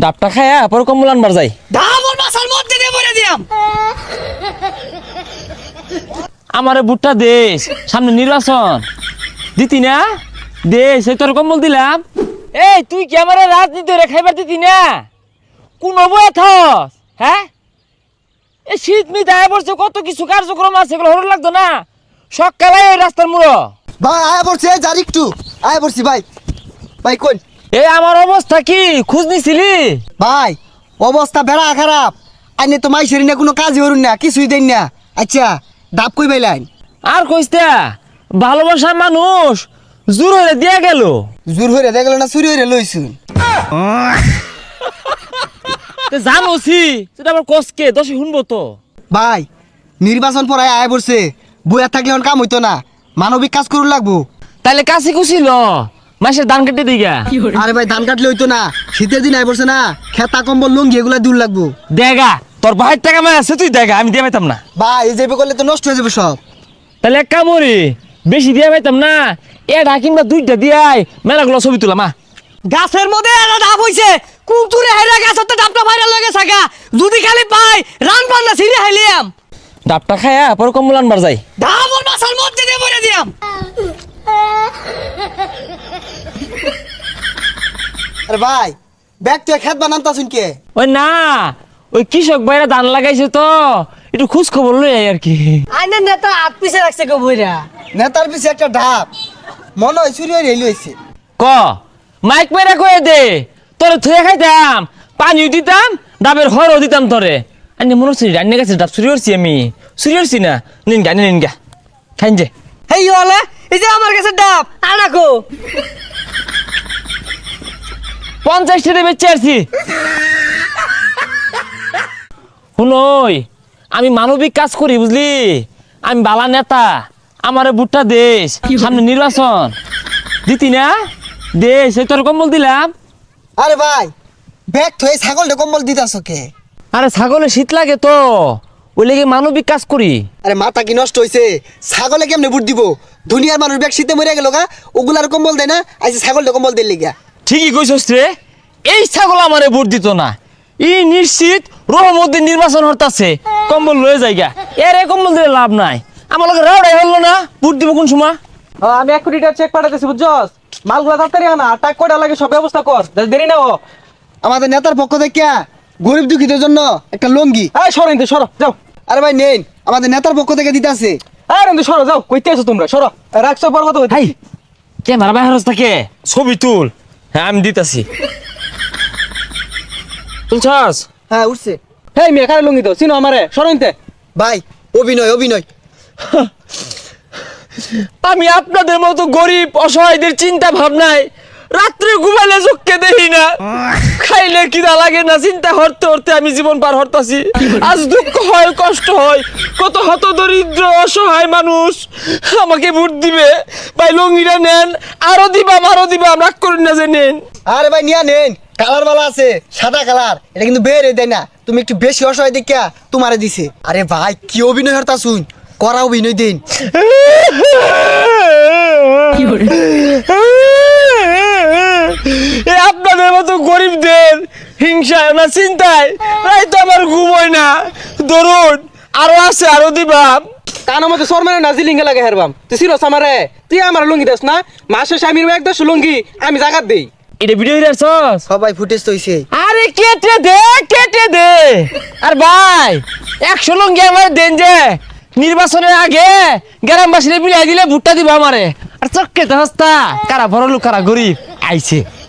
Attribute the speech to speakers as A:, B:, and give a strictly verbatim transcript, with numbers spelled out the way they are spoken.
A: ডাবটা খায়া পরে কম্বল আনবার যাই।
B: ধামর মাসার মধ্যে দিয়ে বলে দিলাম।
A: আমারে বুটটা দেশ, সামনে নির্বাচন দিতি না, দেশ এই তোর কম্বল দিলাম। এই তুই কি আমার রাজনীতি রে খাইবার দিতি না? কোন বয়ে থস? হ্যাঁ, এই শীত মিত আয় পড়ছে, কত কিছু কার্যক্রম আছে, এগুলো হরণ লাগতো না? সকালে এই রাস্তার মুড়ো
C: ভাই আয়া পড়ছি, এই যার একটু আয়া পড়ছি ভাই। ভাই কোন?
A: এই আমার অবস্থা কি খোঁজ নিছিলি?
C: ভাই অবস্থা বেড়া খারাপ। আইনে তো মাইসের না কোনো কাজই হরুন না, কিছুই দেন না। আচ্ছা ডাব কই পাইলেন?
A: আর কইস্তা ভালোবাসার মানুষ জোর হয়ে দিয়া গেল।
C: জোর হইরে দেখলো না, চুরি হইরে লইছুন।
A: জানোছি সেটা আবার কসকে দশে শুনবো তো।
C: ভাই নির্বাচন পড়ায় আয়া পড়ছে, বইয়া থাকলে এখন কাম হইতো না, মানবিক কাজ করুন লাগবো।
A: তাইলে কাছে কুছিল মাসের ধান কেটে দিগা।
C: আরে ভাই ধান কাটলে হইতো না, শীতের দিন আয় পড়ছে না, খেতা কম্বল লুঙ্গি এগুলা দূর লাগবো।
A: দেগা তোর ভাইয়ের টাকা মায় আছে, তুই দেখা, আমি দিয়ে পাইতাম না।
C: ভাই এই যাবে করলে তো নষ্ট হয়ে যাবে সব।
A: তাহলে এক কামড়ি বেশি দিয়ে পাইতাম না, এটা কিংবা দুইটা দিয়াই মেলাগুলো ছবি তুলাম। মা
B: গাছের মধ্যে একটা ডাব হইছে, কুমতুরে হাইরা গাছের তো ডাবটা ভাইরাল হয়ে গেছে গা। যদি খালি পাই রান পান্না ছিঁড়ে হাইলিয়াম।
A: ডাবটা খায়া পরে কম্বল আনবার যাই।
B: ধামর মাসার মধ্যে দিয়ে বলে দিলাম।
C: আরে ভাই ব্যাগ তুই খেত বানান তাছুন কে?
A: ওই না, ওই কৃষক ভাইরা ধান লাগাইছে তো, একটু খোঁজ খবর লই আই আর কি।
B: আইনের নেতা হাত পিছে রাখছে গো বইরা।
C: নেতার পিছে একটা ঢাপ, মনে হয় চুরি হইরে লইছে।
A: ক মাইক মেরা কয়ে দে, তোরে থুয়ে খাইতাম, পানিও দিতাম, ডাবের হরও দিতাম তোরে। আনি মনে হচ্ছে রান্না গেছে ডাব চুরি করছি আমি, চুরি করছি না। নিন গা নিন গা খাইন যে।
B: হেই হলে এই যে আমার কাছে ডাব আনাকো।
A: পঞ্চাশ টাকা বেচে আসছি। শুনই আমি মানবিক কাজ করি বুঝলি, আমি বালা নেতা, আমার বুটটা দেশ, সামনে নির্বাচন দিতি না, দেশ এই তোর কম্বল দিলাম।
C: আরে ভাই ব্যাগ থয়ে ছাগলটা কম্বল দিতাছ কে?
A: আরে ছাগলে শীত লাগে তো, ওই লেগে মানবিক কাজ করি।
C: আরে মাথা কি নষ্ট হইছে? ছাগলে কেমনে বুট দিব? দুনিয়ার মানুষ ব্যাগ শীতে মরে গেল গা, ওগুলার কম্বল দেয় না, আইসে ছাগলটা কম্বল দিল লিগা।
A: ঠিকই কইছস রে, এই ছাগল আমারে ভোট দিত না, ই নিশ্চিত রহমতের নির্বাচন হতাছে, কম্বল লয়ে যাইগা। এর এই কম্বল দিলে লাভ নাই, আমার লগে রাউডাই হলো না, ভোট দিব কোন সময়?
D: আমি এক কোটি টাকা চেক পাঠাতেছি বুঝছস, মালগুলা তাড়াতাড়ি আনা, টাকা কয়টা লাগে সব ব্যবস্থা কর, যাতে দেরি না ও।
C: আমাদের নেতার পক্ষ থেকে গরিব দুঃখীদের জন্য একটা লঙ্গি।
D: এই সরো ইন্দু সরো যাও।
C: আরে ভাই নেন, আমাদের নেতার পক্ষ থেকে দিতাছে।
D: আরে ইন্দু সরো যাও, কইতে আছো তোমরা সরো, রাখছো পর কথা
A: হাই ক্যামেরা বাইরে থাকে, ছবি তুল। হ্যাঁ আমি দিতাছি, তুলছস?
C: হ্যাঁ উঠছে।
D: হেই মেয়ে কারে লুঙ্গি দাও, চিনো আমারে, সরো ইনতে।
C: ভাই অভিনয় অভিনয়।
A: আমি আপনাদের মতো গরিব অসহায়দের চিন্তা ভাবনায় রাত্রে ঘুমাইলে চোখকে দেখি না, খাইলে কিনা লাগে না, চিন্তা হরতে হরতে আমি জীবন পার হরতাছি। আজ দুঃখ হয়, কষ্ট হয়, কত হত দরিদ্র অসহায় মানুষ আমাকে ভোট দিবে। ভাই লঙ্গিটা নেন, আরো দিবাম আরো দিবাম, রাগ করেন না যে নেন।
C: আরে ভাই নিয়া নেন, কালার বালা আছে, সাদা কালার, এটা কিন্তু বেরে দেয় না, তুমি একটু বেশি অসহায় দেখিয়া তোমারে দিছে। আরে ভাই কি অভিনয় হরতা শুন, করা অভিনয় দিন।
A: এ আপনাদের মতো গরিবদের হিংসায় না চিন্তায় প্রায় তো আমার ঘুম হয় না। ধরুন আরো আছে, আরো দিবাম।
D: কানো মতো সর মানে না জিলিঙ্গে লাগে হেরবাম, তুই চিনোস আমারে, তুই আমার লুঙ্গি দাস না, মাসে স্বামীর এক দশ লুঙ্গি আমি জাগাত দেই।
A: এটা ভিডিও দেখছস?
C: সবাই ফুটেজ তো হইছে।
A: আরে কেটে দে কেটে দে। আর ভাই একশো লঙ্গি আমার দেন যে, নির্বাচনের আগে গ্রামবাসীরা বিলাই দিলে ভুট্টা দিব আমারে। আর চক্কে তো হস্তা কারা বড় লোক কারা গরিব আইছে।